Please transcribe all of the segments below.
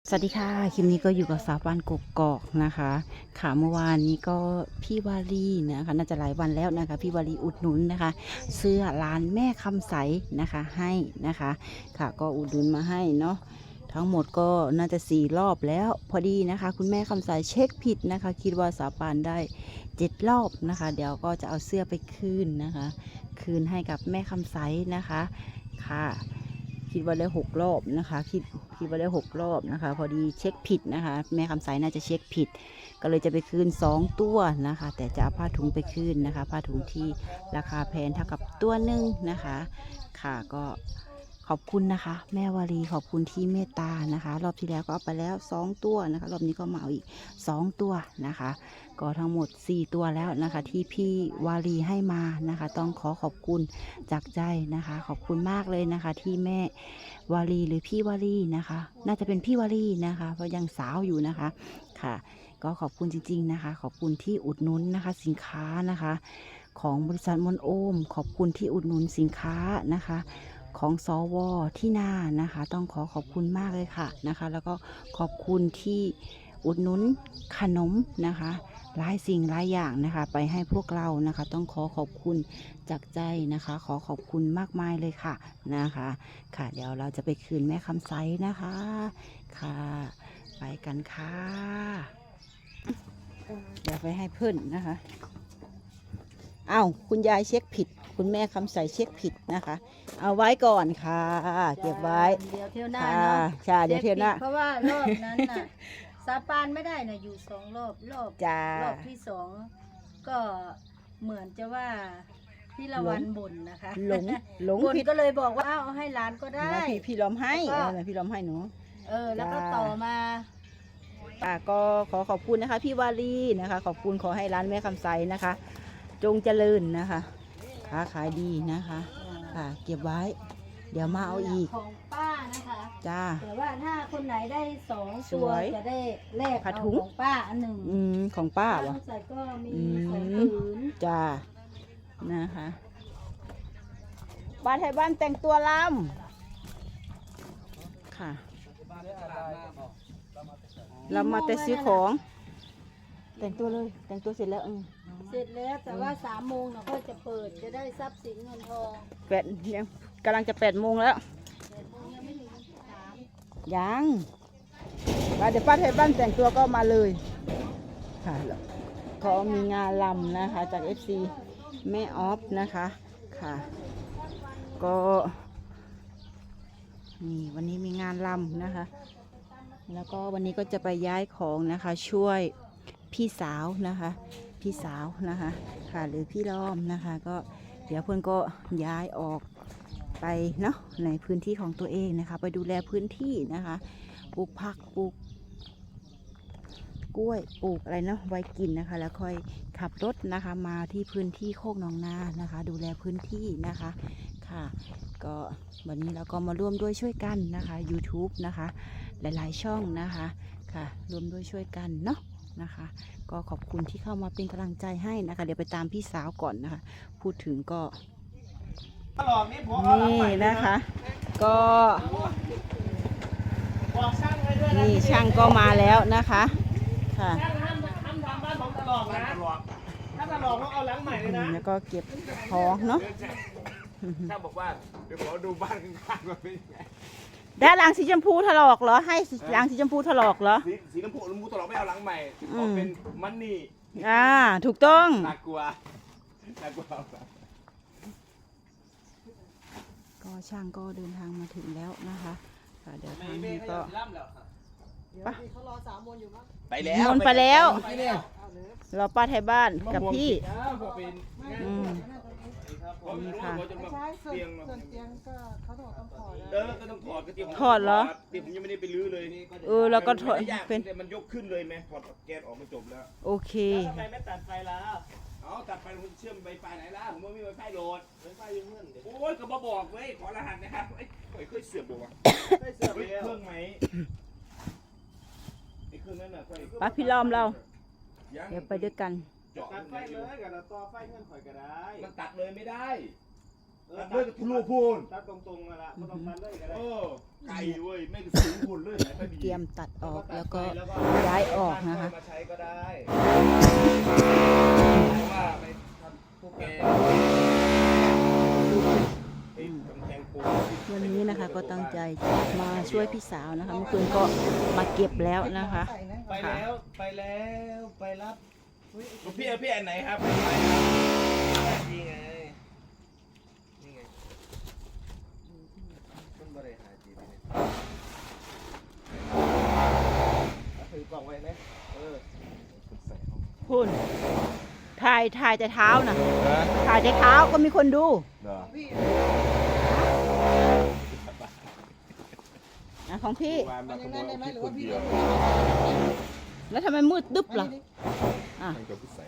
สวัสดีค่ะคลิปนี้ก็อยู่กับสาวบ้านกกอกนะคะค่ะเมื่อวานนี้ก็พี่วารีนะคะน่าจะหลายวันแล้วนะคะพี่วารีอุดหนุนนะคะเสื้อร้านแม่คำใสนะคะให้นะคะค่ะก็อุดหนุนมาให้เนาะทั้งหมดก็น่าจะ4 รอบแล้วพอดีนะคะคุณแม่คำใสเช็คผิดนะคะคิดว่าสาวปานได้7 รอบนะคะเดี๋ยวก็จะเอาเสื้อไปคืนนะคะคืนให้กับแม่คำใสนะคะค่ะคิดว่าได้6 รอบนะคะคิดว่าได้6 รอบนะคะพอดีเช็คผิดนะคะแม่คำใสน่าจะเช็คผิดก็เลยจะไปคืน2 ตัวนะคะแต่จะเอาผ้าถุงไปคืนนะคะผ้าถุงที่ราคาแพงเท่ากับตัวหนึ่งนะคะค่ะก็ขอบคุณนะคะแม่วารีขอบคุณที่เมตตานะคะรอบที่แล้วก็เอาไปแล้ว2 ตัวนะคะรอบนี้ก็มาเอาอีก2 ตัวนะคะก็ทั้งหมด4 ตัวแล้วนะคะที่พี่วารีให้มานะคะต้องขอขอบคุณจากใจนะคะขอบคุณมากเลยนะคะที่แม่วารีหรือพี่วารีนะคะน่าจะเป็นพี่วารีนะคะเพราะยังสาวอยู่นะคะค่ะก็ขอบคุณจริงๆนะคะขอบคุณที่อุดหนุนนะคะสินค้านะคะของบริษัทมนโอมขอบคุณที่อุดหนุนสินค้านะคะของสวที่นานะคะต้องขอบคุณมากเลยค่ะนะคะแล้วก็ขอบคุณที่อุดหนุนขนมนะคะหลายสิ่งหลายอย่างนะคะไปให้พวกเรานะคะต้องขอบคุณจากใจนะคะขอบคุณมากมายเลยค่ะนะคะค่ะเดี๋ยวเราจะไปคืนแม่คำใสนะคะค่ะไปกันค่ะเดี๋ยวไปให้เพื่อนนะคะอ้าวคุณยายเช็คผิดคุณแม่คำใสเช็คผิดนะคะเอาไว้ก่อนค่ะเก็บไว้เดี๋ยวเที่ยวหน้าค่ะเนาะใช่เดี๋ยวเที่ยวหน้าเพราะว่ารอบนั้นน่ะ สาปานไม่ได้น่ะอยู่2 รอบจ้ารอบที่2ก็เหมือนจะว่าพี่ละวันบ่นนะคะหลงบ่นผิดก็เลยบอกว่าเอาให้ร้านก็ได้นะพี่ล้อมให้แล้วก็พี่ล้อมให้หนูแล้วก็จ้าต่อมาก็ขอบคุณนะคะพี่วารีนะคะขอบคุณขอให้ร้านแม่คำใสนะคะ จงเจริญนะคะค้าขายดีนะคะค่ะเก็บไว้ เดี๋ยวมาเอาอีกของป้านะคะจ้าแต่ว่าถ้าคนไหนได้2 สตัววยจะได้แลกผ้าเอาถุงของป้าอันหนึ่งของป้าป้าวะใส่ก็มีอืม 2 ผืนจ้านะคะบ้านไทยบ้านแต่งตัวลำค่ะเรามาแต่ซื้อของ แต่งตัวเลยแต่งตัวเสร็จแล้วเสร็จแล้วแต่ว่า3 โมงเราก็จะเปิดจะได้ทรัพย์สินเงินทองยังกำลังจะ8 โมงแล้ว 8 โมงยังไม่ถึง3 ยังเดี๋ยวป้าไทยบ้านแต่งตัวก็มาเลยค่ะเขามีงานลำนะคะจาก FC แม่ออฟนะคะค่ะก็นี่วันนี้มีงานลำนะคะแล้วก็วันนี้ก็จะไปย้ายของนะคะช่วยพี่สาวนะคะพี่สาวนะคะค่ะหรือพี่ล้อมนะคะก็เดี๋ยวเพื่อนก็ย้ายออกไปเนาะในพื้นที่ของตัวเองนะคะไปดูแลพื้นที่นะคะปลูกผักปลูกกล้วยปลูกอะไรเนาะไว้กินนะคะแล้วค่อยขับรถนะคะมาที่พื้นที่โคกหนองนานะคะดูแลพื้นที่นะคะค่ะก็วันนี้เราก็มาร่วมด้วยช่วยกันนะคะ YouTube นะคะหลายๆช่องนะคะค่ะร่วมด้วยช่วยกันเนาะนะคะก็ขอบคุณที่เข้ามาเป็นกำลังใจให้นะคะเดี๋ยวไปตามพี่สาวก่อนนะคะพูดถึงก็นี่นะคะก็นี่ช่างก็มาแล้วนะคะค่ะช่างห้ามทำบ้านผมตลอดนะถ้าตลอดต้องเอาหลังใหม่เลยนะแล้วก็เก็บของเนาะช่างบอกว่าเดี๋ยวขอดูบ้านข้างๆก่อนเป็นยังไงได้หลังสีชมพูถลอกเหรอให้หลังสีชมพูถลอกเหรอสีน้ำพูตลอดไม่เอาหลังใหม่ขอเป็นมันนี่ถูกต้องน่ากลัวน่ากลัวก็ช่างก็เดินทางมาถึงแล้วนะคะค่ะเดี๋ยวทางนี้ก็ไปไปแล้วนนไปแล้วรอป้าไทยบ้านกับพี่นี่ค่ะใช่ส่เตียงวนเตียงก็เขาบอกต้องถอดก็ต้องถอดก็เตียงถอดเหรอเตียงผมยังไม่ได้ไปรื้อเลยแล้วก็ถอดไม่ยากเป็นแต่มันยกขึ้นเลยไหมถอดแกนออกมาจบแล้วโอเคทำไมไม่ตัดไฟแล้วเอาตัดไฟมันเชื่อมไวไฟไหนล่ะผมว่ามีไวไฟโหลดไวไฟอยู่เพื่อนโอ้ยก็มาบอกเว้ยขอรหัสนะครับเอ้ยเคยเสื่อมบ่วะเคยเสื่อมเครื่องไหมไอ้เครื่องนั้นน่ะป้าพี่ล้อมเราเดี๋ยวไปด้วยกันเจาะตัดไฟเลยกับต่อไฟเงื่อนข่อยก็ได้มันตัดเลยไม่ได้เลิกทะลุพูนตัดตรงๆมาละไม่ต้องตัดเลยก็ได้โอ้ไก่เว้ยไม่สูงพูนเลยไหนไปดีเตรียมตัดออกแล้วก็ย้ายออกนะคะมาใช้ก็ได้ว่าไปทำพวกแกไอ้กำแพงปูนวันนี้นะคะก็ตั้งใจจะมาช่วยพี่สาวนะคะเมื่อคืนก็มาเก็บแล้วนะคะไปแล้วไปรับพี่อันไหนครับนี่ไงนี่ไงต้นบริหารจีนเนี่ยถือกล่องไว้ไหมพุ่นถ่ายแต่เท้านะถ่ายแต่เท้าก็มีคนดูเหรอของพี่วานมาขโมยเอาคนเดียวแล้วทำไมมืดดึ๊บล่ะอ่ะมันก็ใส่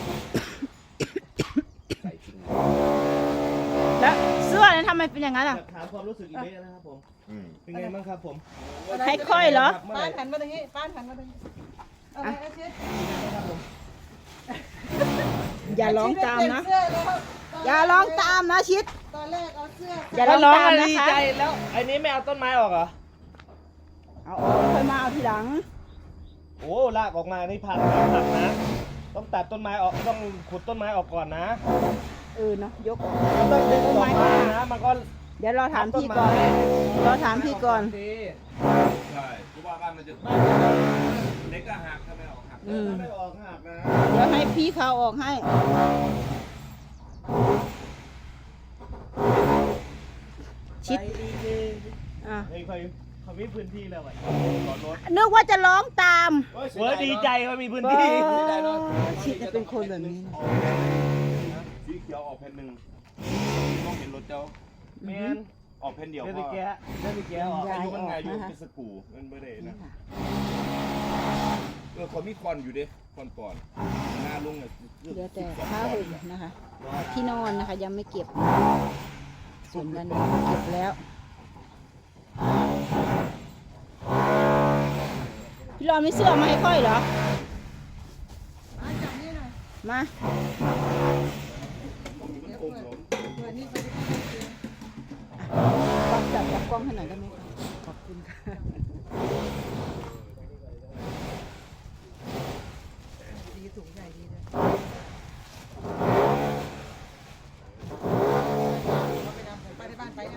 ใส่จริงแล้วเสื้อนั้นทำไมเป็นอย่างนั้นอ่ะถามความรู้สึกอีกนิดนะครับผม เป็นไงบ้างครับผมให้ค่อยเหรอป้านหันมาตรงนี้ป้านหันมาตรงนี้อะไรอาชิตอย่าร้องตามนะเสื้อแล้วอย่าร้องตามนะชิดตอนแรกเอาเสื้ออย่าร้องตามนะคะแล้วไอ้นี้ไม่เอาต้นไม้ออกเหรอเอาออกค่อยมาเอาทีหลังโอ้ลากออกมานี่ผักนะต้องตัดต้นไม้ออกต้องขุดต้นไม้ออกก่อนนะเนาะยกออกต้องดึงออกมานะมันก็เดี๋ยวรอถามพี่ก่อนรอถามพี่ก่อนใช่เพราะว่าบ้านมันจะเล็กก็หักถ้าไม่ออกหักไม่ออกหักนะเดี๋ยวให้พี่เขาออกให้ชิดอ่ะเฮ้ยเขามีพื้นที่แล้วอ่ะนึกว่าจะร้องตามเว้ยดีใจเขามีพื้นที่ชิดจะเป็นคนแบบนี้นะสีเขียวออกแผ่นหนึ่งมองเห็นรถเจ้าแมนออกแผ่นเดียวเล่นพไปอแกะเล่นไปแกะออกอายุมันไงอยู่เป็นสกูมันไม่ได้นะเขามีคอนอยู่ดิคอนก่อนหน้าลุงเนี่ยเดี๋ยวแต่ผ้าห่มนะคะที่นอนนะคะยังไม่เก็บส่วนด้านนี้เก็บแล้วพี่รอนไม่เสื้อมาให้ค่อยเหรอจับนี่หน่อยมามันอมหลงเปิดนี่ไปปักจับกล้องให้หน่อยได้ไหมคะขอบคุณค่ะดีสูงใหญ่ดีเลยไปในบ้านไปนะ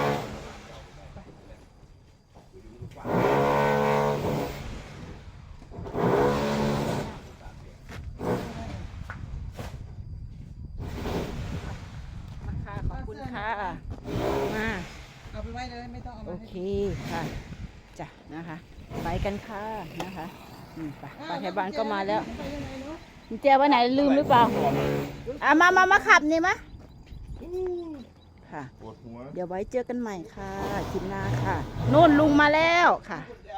ค่ะขอบคุณค่ะมาเอาไปไว้เลยไม่ต้องเอาโอมาเคค่ะจ้ะนะคะไปกันค่ะนะคะไปไทยบ้านก็มาแล้วไปยังไงเนาะกุญแจไว้ไหนลืมหรือเปล่ามาขับนี่มะค่ะปวดหัวเดี๋ยวไว้เจอกันใหม่ค่ะคลิปหน้าค่ะนู่นลุงมาแล้วค่ะจ